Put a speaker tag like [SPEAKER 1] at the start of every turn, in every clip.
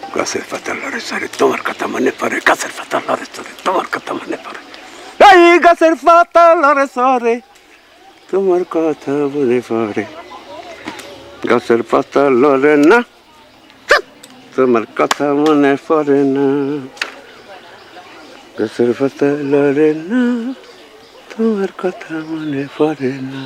[SPEAKER 1] গাছের পাতা লড়ে সরে তোমার কথা মনে পড়ে, গাছের পাতা লড়ে সরে তোমার কথা মনে পড়ে, এই গাছের পাতা লড়ে সরে তোমার কথা মনে পড়ে, গাছের পাতা লড়ে না তোমার কথা মনে পড়ে না, গাছের পাতা লড়ে না তোমার কথা মনে পড়ে না।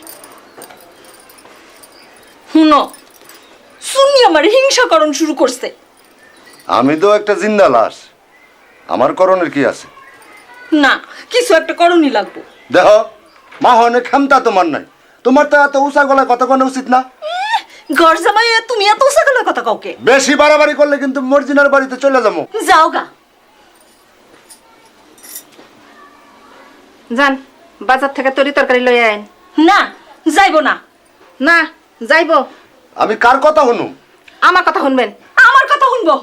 [SPEAKER 2] শুনো, শুনি আমার হিংসাকরণ শুরু করছে।
[SPEAKER 3] আমি তো একটা জিন্দা লাশ, আমার করণের কি আছে?
[SPEAKER 2] না, কিছু একটা করণই লাগবো।
[SPEAKER 3] দেখো মা অনেক ক্ষমতা তোমার নাই, তোমার তো এত উঁচা গলায় কথা কোনো উচিত না।
[SPEAKER 2] ঘর জামাই তুমি এত উসাগলের কথা কাউকে
[SPEAKER 3] বেশি বাড়াবাড়ি করলে কিন্তু মর্জিনার বাড়িতে চলে যাবো।
[SPEAKER 2] যাও গা।
[SPEAKER 4] যান বাজার থেকে তরি তরকারি লই আইন।
[SPEAKER 2] না, যাইবো না।
[SPEAKER 4] না যাইবো।
[SPEAKER 3] আমি কার কথা শুনু?
[SPEAKER 4] আমার কথা শুনবেন।
[SPEAKER 2] আমার কথা শুনবো।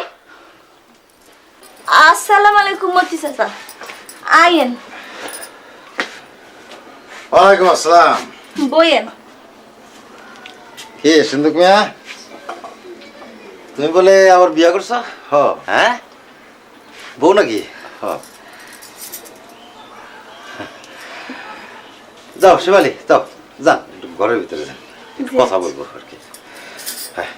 [SPEAKER 2] আসসালামু আলাইকুম মতি চাচা, আইয়েন।
[SPEAKER 5] ওয়ালাইকুম আসসালাম।
[SPEAKER 2] বইয়েন।
[SPEAKER 5] কি সিন্ধুক মিয়া, তুমি বলে আবার বিয়া করছো?
[SPEAKER 3] হ।
[SPEAKER 5] হ্যাঁ, বউ নাকি?
[SPEAKER 3] হ।
[SPEAKER 5] যাও শিবালি, যাও যান একটু ঘরের ভিতরে যান, একটু কথা বলবো আর কি। হ্যাঁ,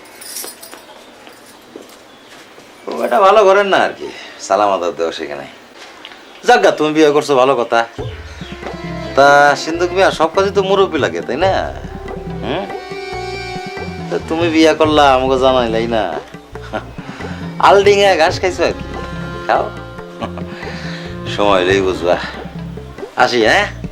[SPEAKER 5] ও এটা ভালো ঘরের না আর কি, সালাম আদাব দেওয়া সেখানে। যাক গা, তুমি বিয়ে করছো ভালো কথা। তা সিন্ধুক মিয়া সব কাজে তো মুরব্বী লাগে তাই না? হুম, তা তুমি বিয়া করলা আমাকে জানাইলাই না। আলডিঙা ঘাস খাইছো আর কি, খাও সময় লেই বুঝবা। আসি হ্যাঁ।